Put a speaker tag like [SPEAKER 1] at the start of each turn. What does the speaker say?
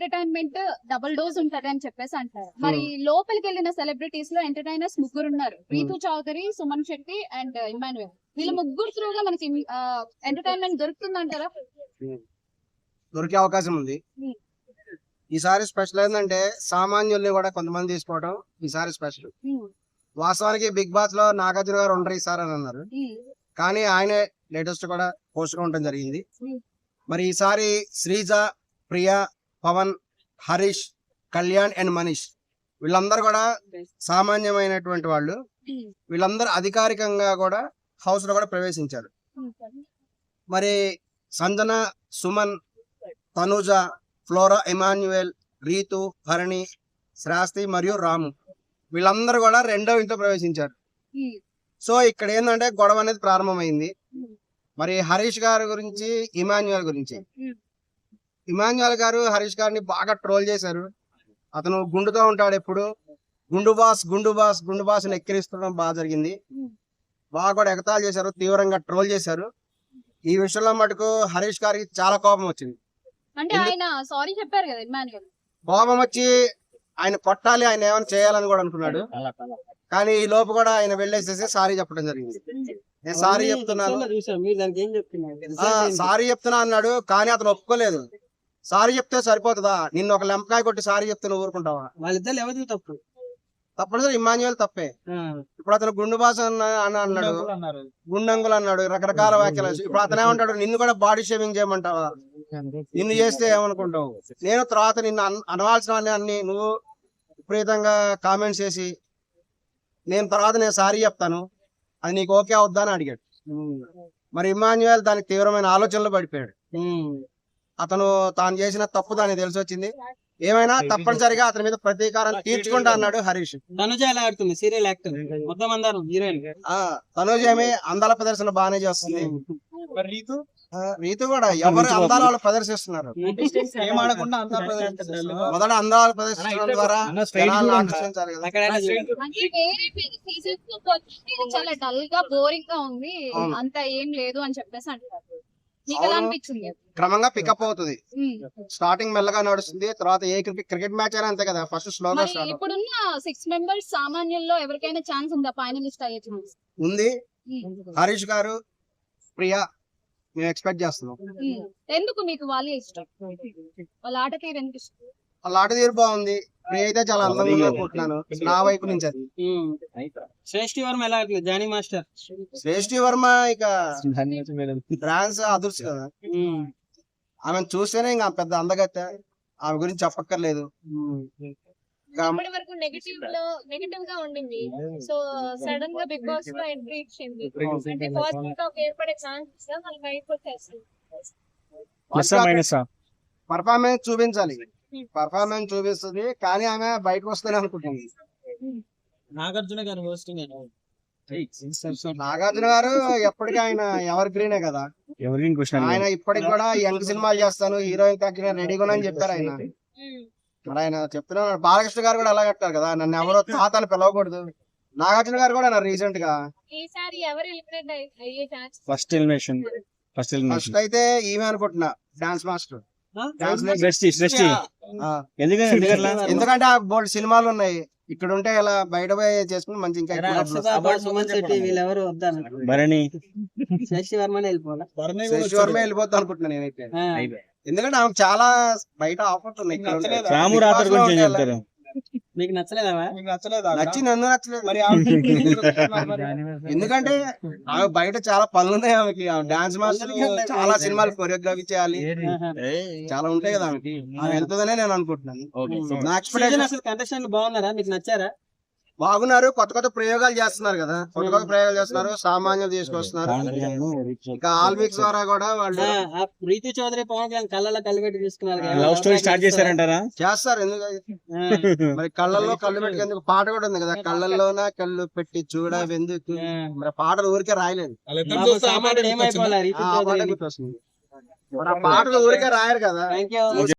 [SPEAKER 1] Entertainment double dose ఉంటది అని చెప్పేసి అంటారు. మరి లోపలికి వెళ్ళిన సెలబ్రిటీస్ లో ఎంటర్టైనర్స్ ముగ్గురు ఉన్నారు. Ritu Chowdary, Suman Shetty and Emmanuel. వీళ్ళ ముగ్గురు త్రూగా మనకి ఎంటర్టైన్మెంట్ దొరుకుతుందంటారా?
[SPEAKER 2] దొరికే అవకాశం ఉంది. ఈసారి స్పెషల్ ఏంటంటే సామాన్యుల్ని కూడా కొంతమంది తీసుకోవడం ఈసారి స్పెషల్. వాస్తవానికి బిగ్ బాస్ లో నాగార్జున గారు ఉండరు ఈసారి అని అన్నారు, కానీ ఆయనే లేటెస్ట్ కూడా పోస్ట్ గా ఉండడం జరిగింది. మరి ఈసారి శ్రీజ, ప్రియా, పవన్, హరీష్, కళ్యాణ్ అండ్ మనీష్ వీళ్ళందరూ కూడా సామాన్యమైనటువంటి వాళ్ళు. వీళ్ళందరూ అధికారికంగా కూడా హౌస్ లో కూడా ప్రవేశించారు. మరి సంజన, సుమన్, తనుజ, ఫ్లోరా, ఇమాన్యుయల్, రీతు, హరణి, శ్రాస్తి మరియు రాము వీళ్ళందరూ కూడా రెండో ఇంట్లో ప్రవేశించారు. సో ఇక్కడ ఏంటంటే గొడవ అనేది ప్రారంభమైంది. మరి హరీష్ గారి గురించి, ఇమాన్యుయల్ గురించి. ఇమాన్యుయల్ గారు హరీష్ గారిని బాగా ట్రోల్ చేశారు. అతను గుండుతో ఉంటాడు ఎప్పుడు, గుండు బాస్ గుండు బాస్ గుండు బాస్ అని ఎక్కిరిస్తుండడం బాగా జరిగింది. బాగా కూడా ఎగతాళి చేశారు, తీవ్రంగా ట్రోల్ చేశారు. ఈ విషయంలో మటుకు హరీష్ గారికి చాలా కోపం వచ్చింది.
[SPEAKER 1] అంటే ఆయన సారీ చెప్పారు కదా ఇమాన్యుయల్.
[SPEAKER 2] కోపం వచ్చి ఆయన కొట్టాలి, ఆయన ఏమైనా చేయాలని కూడా అనుకున్నాడు. కానీ ఈ లోపు కూడా ఆయన వెళ్ళేసేసి సారీ చెప్పడం జరిగింది. నేను సారీ చెప్తున్నాను, సారీ చెప్తున్నా అన్నాడు. కానీ అతను ఒప్పుకోలేదు. సారీ చెప్తే సరిపోతుందా? నిన్ను ఒక లెంపకాయ కొట్టి సారీ చెప్తే నువ్వు ఊరుకుంటావా?
[SPEAKER 3] వాళ్ళిద్దరు ఎవరిది తప్పు?
[SPEAKER 2] తప్పనిసరి ఇమాన్యుయల్ తప్పే. ఇప్పుడు అతను గుండు బాస్ అన్నాడు, గుండంగులు అన్నాడు, రకరకాల వ్యాఖ్యలు. ఇప్పుడు అతను ఏమంటాడు, నిన్ను కూడా బాడీ షేవింగ్ చేయమంటావా? నిన్ను చేస్తే ఏమనుకుంటావు? నేను తర్వాత నిన్ను అనవాల్సిన అన్ని నువ్వు విపరీతంగా కామెంట్స్ చేసి నేను తర్వాత నేను సారీ చెప్తాను, అది నీకు ఓకే అవుద్దా అని అడిగాడు. మరి ఇమాన్యుయల్ దానికి తీవ్రమైన ఆలోచనలో పడిపోయాడు. అతను తాను చేసిన తప్పు దానికి తెలిసి వచ్చింది. ఏమైనా తప్పనిసరిగా అతని మీద ప్రతీకారం తీర్చుకుంటా అన్నాడు హరీష్.
[SPEAKER 3] తనుజ ఎలా ఆడుతుంది? సీరియల్ యాక్టర్, మొత్తం అందరం హీరోయిన్.
[SPEAKER 2] తనుజ ఏమి అందాల ప్రదర్శన బాగానే చేస్తుంది. రీతు కూడా ఎవరు అందాల వాళ్ళు ప్రదర్శిస్తున్నారు. మొదట అందాల ప్రదర్శించడం ద్వారా ఆకర్షించాలి కదా.
[SPEAKER 1] చాలా డల్ గా బోరింగ్ గా ఉంది, అంత ఏం లేదు అని చెప్పేసి అంటారు.
[SPEAKER 2] క్రమంగా పికప్ అవుతుంది. స్టార్టింగ్ మెల్లగా నడుస్తుంది, తర్వాత ఏ క్రికెట్ మ్యాచ్ అయినా అంతే కదా, ఫస్ట్ స్లోగా స్టార్ట్.
[SPEAKER 1] ఇప్పుడున్న 6 మెంబర్స్ సామాన్యుల్లో ఎవరికైనా ఛాన్స్ ఉందా ఫైనలిస్ట్ అయ్యే ఛాన్స్?
[SPEAKER 2] ఉంది. హరీష్ గారు, ప్రియా మేము ఎక్స్పెక్ట్ చేస్తున్నాం.
[SPEAKER 1] ఎందుకు మీకు వాళ్ళే ఇష్టం? వాళ్ళ ఆట తీరు ఎందుకు ఇష్టం?
[SPEAKER 2] వాళ్ళ ఆట తీరు బాగుంది. ప్రియ అయితే చాలా అందంగా అనుకుంటున్నాను నా వైపు నుంచి. అది
[SPEAKER 3] శ్రేష్ఠి వర్మ ఎలా ఆడుతుంది? Johnny master.
[SPEAKER 2] శ్రేష్ఠి వర్మ ఇక డాన్స్ అదృశ్యం కదా, ఆమెను చూస్తేనే ఇంకా పెద్ద అందగత్తె, ఆమె గురించి చెప్పక్కర్లేదు.
[SPEAKER 4] ఇప్పటి వరకు నెగటివ్ గా ఉండింది. సో సడన్ గా బిగ్ బాస్ లో ఎంట్రీ ఇచ్చింది. అంటే పాజిటివ్ టాక్ ఏర్పడే ఛాన్స్
[SPEAKER 2] పర్ఫార్మెన్స్ చూపించాలి. పర్ఫార్మెన్స్ చూపిస్తుంది, కానీ ఆమె బయటకు వస్తేనే అనుకుంటుంది.
[SPEAKER 3] నాగార్జున గారు హోస్టింగ్.
[SPEAKER 2] నాగార్జున గారు ఎప్పటికీ ఆయన ఎవర్ గ్రీనే కదా. ఆయన ఇప్పటికి కూడా యంగ్ సినిమాలు చేస్తాను, హీరోయిన్ తగ్గిన రెడీగా అని చెప్పారు ఆయన. మరి ఆయన చెప్తున్నాడు. బాలకృష్ణ గారు కూడా అలా కట్టారు కదా, నన్ను ఎవరో తాతని పిలవకూడదు. నాగార్జున గారు కూడా రీసెంట్ గా
[SPEAKER 4] ఈసారి ఎవరు ఎలిమినేట్ అయ్యే ఛాన్స్?
[SPEAKER 2] ఫస్ట్ అయితే ఈమె అనుకుంటున్నా, డాన్స్ మాస్టర్. ఎందుకంటే ఆ బోల్డ్ సినిమాలు ఉన్నాయి, ఇక్కడ ఉంటే ఇలా బయట పోయి చేసుకుని మంచి ఇంకా
[SPEAKER 3] వీళ్ళెవరు శ్రేష్ఠి వర్మ
[SPEAKER 2] వెళ్ళిపోతా అనుకుంటున్నాను నేనైతే. ఎందుకంటే ఆమె చాలా బయట ఆఫర్స్ ఉన్నాయి.
[SPEAKER 3] మీకు నచ్చలేదా?
[SPEAKER 2] నచ్చి నన్ను నచ్చలేదు. ఎందుకంటే ఆమె బయట చాలా పనులు ఉన్నాయి ఆమెకి. డాన్స్ మాస్టర్ చాలా సినిమాలు కొరియోగ్రఫీ చేయాలి, చాలా ఉంటాయి కదా ఆమెకి. ఆమె వెళ్తుందనే నేను అనుకుంటున్నాను. నా ఎక్స్పెక్టేషన్.
[SPEAKER 3] అసలు కంటెస్టెంట్ బాగున్నారా? మీకు నచ్చారా?
[SPEAKER 2] బాగున్నారు. కొత్త కొత్త ప్రయోగాలు చేస్తున్నారు కదా, సామాన్యులు తీసుకొస్తున్నారు. ఇంకా ఆల్విక్స్ ద్వారా కూడా వాళ్ళు
[SPEAKER 3] రీతు చౌదరి, పవన్ కళ్యాణ్ కళ్ళలో కలిపెట్టి తీసుకున్నారు.
[SPEAKER 5] లవ్ స్టోరీ స్టార్ట్ చేస్తారంటారా?
[SPEAKER 2] చేస్తారు. ఎందుకంటే మరి కళ్ళల్లో కళ్ళు పెట్టుకేందుకు పాట కూడా ఉంది కదా, కళ్ళల్లోన కళ్ళు పెట్టి చూడవెందుకు. మరి పాటలు ఊరికే రాయలేదు,
[SPEAKER 3] ఏమైపోవాలి?
[SPEAKER 2] పాటలు ఊరికే రాయరు కదా.